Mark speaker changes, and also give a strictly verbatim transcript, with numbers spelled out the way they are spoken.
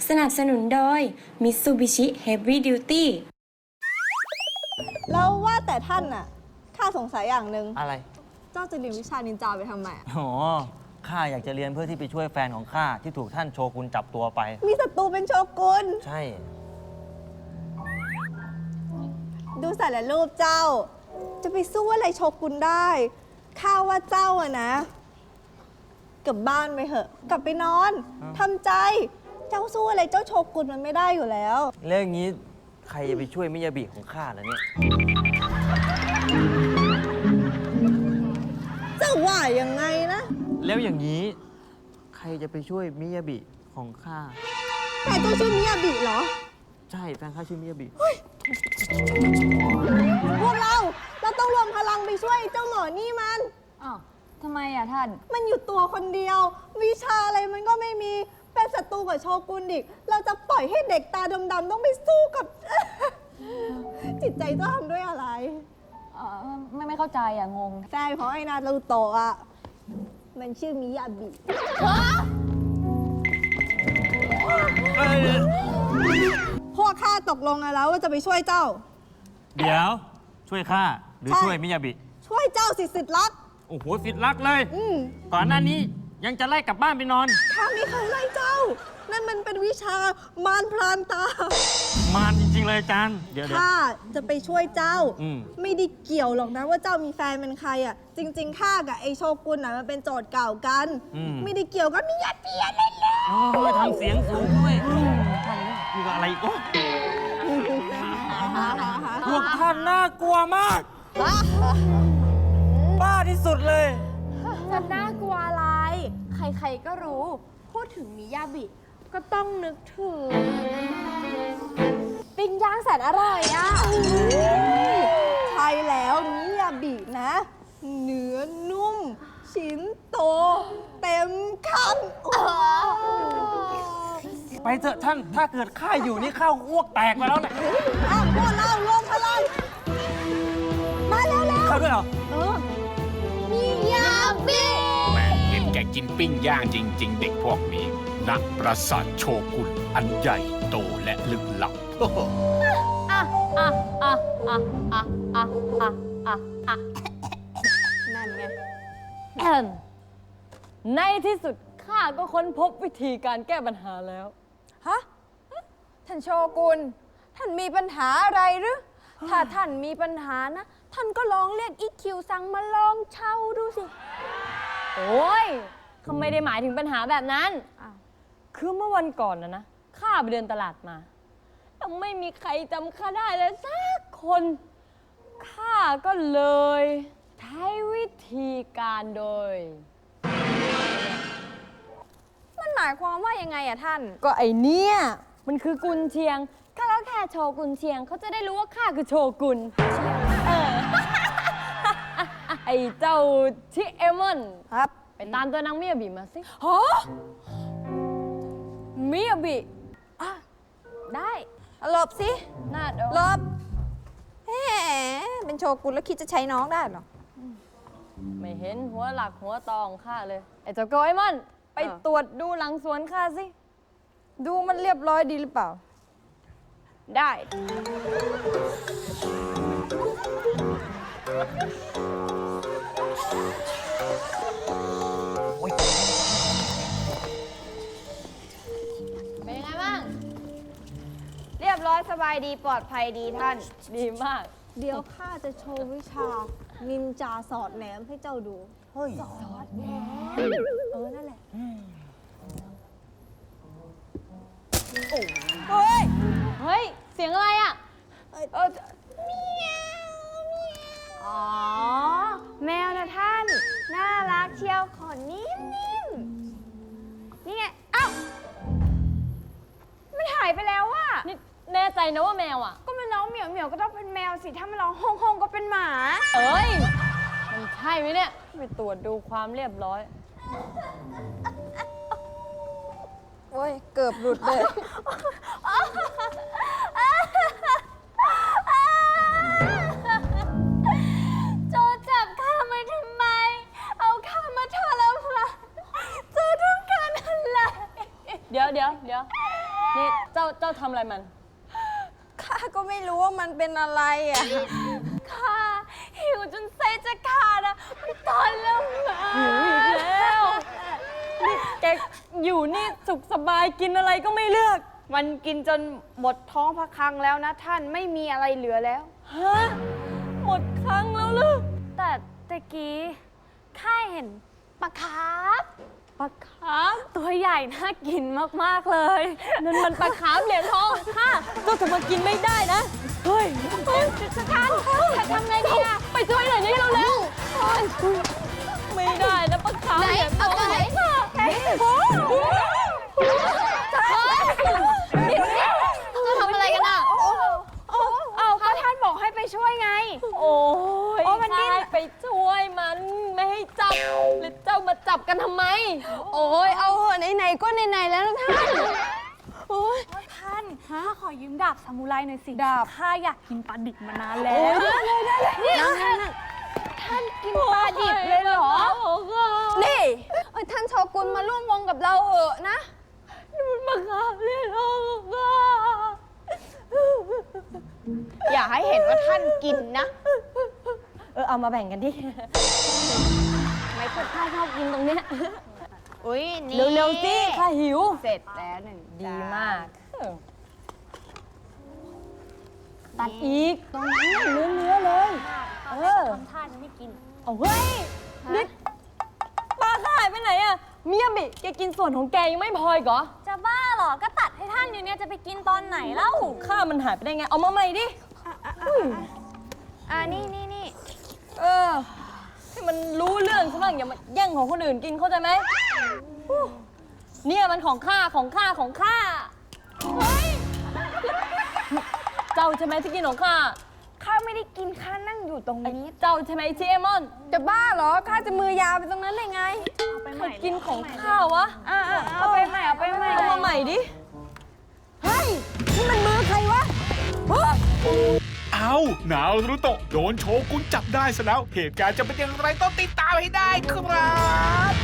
Speaker 1: สนับสนุนโดย Mitsubishi Heavy Duty
Speaker 2: แล้วว่าแต่ท่านน่ะข้าสงสัยอย่างหนึ่ง
Speaker 3: อะไร
Speaker 2: เจ้าจะเรียนวิชานินจาไปทำไมอะ
Speaker 3: อ๋อข้าอยากจะเรียนเพื่อที่ไปช่วยแฟนของข้าที่ถูกท่านโชกุนจับตัวไป
Speaker 2: มีศัตรูเป็นโชกุน
Speaker 3: ใช่
Speaker 2: ดูสารรูปเจ้า จะไปสู้อะไรโชกุนได้ข้าว่าเจ้าอะนะกลับบ้านไปเถอะ กลับไปนอนทำใจ เจ้าสู้อะไรเจ้าโชกุนมันไม่ได้อยู่แล้ว
Speaker 3: แล้วอย่างนี้ใครจะไปช่วยมิยาบิของข้าล่ะเนี่ย
Speaker 2: เจ้าว่ายังไงนะ
Speaker 3: แล้วอย่างนี้ใครจะไปช่วยมิยาบิของข้า
Speaker 2: แต่เจ้าชื่อมิยาบิเหรอ
Speaker 3: ใช่แฟนข้าชื่อมิยาบิ
Speaker 2: พวกเราเราต้องรวมพลังไปช่วยเจ้าหมอนี่มัน
Speaker 4: อ้าวทำไมอ่ะท่าน
Speaker 2: มันอยู่ตัวคนเดียว วิชาอะไรมันก็ไม่มีเป็นศัตรูกับโชกุนอีกเราจะปล่อยให้เด็กตาดำๆต้องไปสู้กับ จิตใจเจ้าทำด้วยอะไร
Speaker 4: เอ่อไม่ไม่เข้าใจอ่ะ งง
Speaker 2: ใช่เพราะไอ้นารูโตะอ่ะ มันชื่อมิยาบิ พวกข้าตกลงกันแล้วว่าจะไปช่วยเจ้า
Speaker 3: เดี๋ยวช่วยข้าหรือ
Speaker 2: ใช่
Speaker 3: ช่วยมิยาบิ
Speaker 2: ช่วยเจ้าสิสิทธิ์รัก
Speaker 3: โอ้โหสิทธิ์รักเลย
Speaker 2: อืม
Speaker 3: ก่อนหน้านี้ยังจะไล่กลับบ้านไปนอน
Speaker 2: ข้าไม่เคยไล่เจ้า นั่นมันเป็นวิชามารพรานตา
Speaker 3: มารจริงๆเลยอาจารย์เดี๋ยวเดี๋ยว
Speaker 2: ข้าจะไปช่วยเจ้า
Speaker 3: อืม
Speaker 2: ไม่ได้เกี่ยวหรอกนะว่าเจ้ามีแฟนเป็นใครอ่ะ จริงๆข้ากับไอโชกุนน่ะมันเป็นโจทย์เก่ากัน ไม่ได้เกี่ยวกันมีญาติเปียเล่นเลย
Speaker 3: โอ้ยทำเสียงสูงด้วยท่านอยู่กับอะไรอีกโอ้พวกท่านน่ากลัวมาก บ้าที่สุดเลย
Speaker 5: จะน่ากลัวอะไร ใครๆก็รู้ พูดถึงมิยาบิ ก็ต้องนึกถึง ปิ้งย่างแสนอร่อยอ่ะ
Speaker 2: ใช่แล้วมิยาบินะ เนื้อนุ่ม ชิ้นโต เต็มคำโอ้
Speaker 3: ไปเถอะท่าน ถ้าเกิดข้าอยู่นี่ข้าอ้วกแตกไปแล้วเนี่ย
Speaker 2: อ้าวพวกเรารวมพลังมาแล้วแล้ว
Speaker 3: เข้าด้วยเหรอ
Speaker 2: เออมิยาบิ
Speaker 6: แม่งเห็นแกกินปิ้งย่างจริง ๆ เด็กพวกนี้นักประสาทโชกุนอันใหญ่โตและลึกลับ
Speaker 4: อ่ะ อ่ะ อ่ะ อ่ะ อ่ะ อ่ะ อ่ะ อ่ะ อ่ะ
Speaker 2: นั่นไง
Speaker 4: แอน ในที่สุดข้าก็ค้นพบวิธีการแก้ปัญหาแล้ว
Speaker 5: ฮะ ท่านโชกุน ท่านมีปัญหาอะไรหรือ ถ้าท่านมีปัญหานะ ท่านก็ลองเรียกอีคิวซังมาลองเช่าดูสิ
Speaker 4: โอ้ยเขาไม่ได้หมายถึงปัญหาแบบนั้น
Speaker 5: อ้าว
Speaker 4: คือเมื่อวันก่อนนะนะ ข้าไปเดินตลาดมาแล้วไม่มีใครจำข้าได้เลยสักคน ข้าก็เลยใช้วิธีการโดย
Speaker 5: มันหมายความว่ายังไงอะท่าน
Speaker 4: ก็ไอเนี่ยมันคือกุนเชียงข้าก็แค่โชว์กุนเชียงเขาจะได้รู้ว่าข้าคือโชกุนเออ ไอเจ้าชิเอมอน
Speaker 2: ครับ
Speaker 4: ไปตามตัวนางมิยาบิมาสิ
Speaker 5: ฮะมิยาบิอ่ะได้หลบสิ
Speaker 4: หน้าโด
Speaker 5: หลบแหมเป็นโชกุนแล้วคิดจะใช้น้องได้เหรอ
Speaker 4: ไม่เห็นหัวหลักหัวตองข้าเลย ไอเจ้าโกไอมอน ไป
Speaker 5: เออ
Speaker 4: ตรวจดูหลังสวนข้าสิ
Speaker 5: ดูมันเรียบร้อยดีหรือเปล่า ได้
Speaker 4: เป็นยังไงบ้าง
Speaker 5: เรียบร้อยสบายดีปลอดภัยดีท่าน
Speaker 4: ดีมาก
Speaker 2: เดี๋ยวข้าจะโชว์วิชา นินจาสอดแหนมให้เจ้าดู
Speaker 3: เฮ้ย
Speaker 2: เออ นั่นแหละ
Speaker 5: เฮ้ย
Speaker 4: เฮ้ย เสียงอะไรอ่ะ
Speaker 5: เอออ๋อ แมวนะท่าน น่ารักเชียวขอนิ่มๆนี่ไง เอ้า มันหายไปแล้วว่ะ
Speaker 4: นี่แน่ใจนะว่าแมวอ่ะ
Speaker 5: ก็มันร้องเหมียวเหมียวก็ต้องเป็นแมวสิ ถ้ามันร้องฮงฮงก็เป็นหมา
Speaker 4: เอ้ย มันใช่ไหมเนี่ย ไปตรวจดูความเรียบร้อย
Speaker 5: โอ้ย เกือบหลุดเลย
Speaker 4: โจรจับข้ามาทำไม เอาข้ามาทรมานโจรต้องการอะไร เดี๋ยวเดี๋ยวเดี๋ยวนี่ทำอะไรมัน
Speaker 5: ข้าก็ไม่รู้ว่ามันเป็นอะไรอ่ะ ข้าหิวจนไส้จะขาดอ่ะมันตอนแล้วมา
Speaker 4: หิวอีกแล้วนี่แกอยู่นี่สุขสบายกินอะไรก็ไม่เลือก
Speaker 5: มันกินจนหมดท้องพระคลังแล้วนะท่านไม่มีอะไรเหลือแล้ว
Speaker 4: ฮะ หมดครั้งแล้วเหรอ
Speaker 5: แต่ตะกี้ข้าเห็นปลาคาร์ฟ
Speaker 4: ปลาคาร์ฟ
Speaker 5: ตัวใหญ่น่ากินมาก ๆ เลย
Speaker 4: นั่นมันปลาคาร์ฟเหรียญทองค่ะเจ้าจะมากินไม่ได้นะ เฮ้ย
Speaker 5: สกันจะทำไงดีอ่ะ
Speaker 4: ไปช่วยหน่อยนี่เร็วๆไม่ได้นะปลาคาร์ฟเหรียญทอง
Speaker 5: ไหน
Speaker 4: จะทำอะไรกันอ่ะ
Speaker 5: เอาก็ท่านบอกให้ไปช่วยไง
Speaker 4: โอ้ย
Speaker 5: โอ้มันดิ้น
Speaker 4: ใช่ไปช่วยมันไม่ให้จับแล้วเจ้ามาจับกันทำไม
Speaker 5: โอ้ยเอาเหอะไหนๆก็ไหนๆแล้วนะท่าน โอ้ย
Speaker 7: ท่านข้าขอยืมดาบซามูไรหน่อยสิ ดาบข้าอยากกินปลาดิบมานานแล้
Speaker 5: โอ้
Speaker 7: วย
Speaker 5: ได้เลยได้เลยนี่ท่านท่านกินปลาดิบเลยเหรอ นี่เอ้ยท่านโชกุนมาร่วมวงกับเราเหอะนะ
Speaker 4: มันมาฆ่าเล่นเอาค่ะ
Speaker 5: อย่าให้เห็นว่าท่านกินนะ
Speaker 4: เออเอามาแบ่งกันดิไม่ค่อยข้าชอบกินตรงเนี้ย
Speaker 5: อุ้ยนี่
Speaker 4: เร็วๆสิข้าหิว
Speaker 5: เสร็จแล้วหนึ่ง
Speaker 4: ดีมาก ตัดอีกตรงนี้เนื้อเนื้อๆเลย เออ
Speaker 7: ทำท่าจะไม่กิน
Speaker 4: เอาเฮ้ยนี่ปลาข้าหายไปไหนอะเมียบิแกกินส่วนของแกยังไม่พออีกเหรอ
Speaker 7: จะบ้าเหรอ ก็ตัดให้ท่านอยู่เนี่ยจะไปกินตอนไหนเล่า
Speaker 4: ข้ามันหายไปได้ไง เอามาใหม่ดิ
Speaker 5: อ่านี่นี่นี่
Speaker 4: เออ ให้มันรู้เรื่องซะบ้างอย่ามาแย่งของคนอื่นกินเข้าใจไหมอู้เนี่ยมันของข้าของข้าของข้าเฮ้ยเจ้าใช่ไหมที่กินของข้า
Speaker 5: ข้าไม่ได้กินข้านั่งอยู่ตรงนี้
Speaker 4: เจ้าใช่ไหมที่เอมอน
Speaker 5: จะบ้าเหรอ ข้าจะมือยาวไปตรงนั้นได้ไง
Speaker 4: ใครกินของข้าวะ
Speaker 5: อ่าเอาไปใหม่ เอาไปใหม่
Speaker 4: เอามาใหม่ดิ เฮ้ย นี่มันมือใครวะ
Speaker 6: เอานารุโตะโดนโชกุนจับได้ซะแล้ว เหตุการณ์จะเป็นอย่างไรต้องติดตามให้ได้ครับ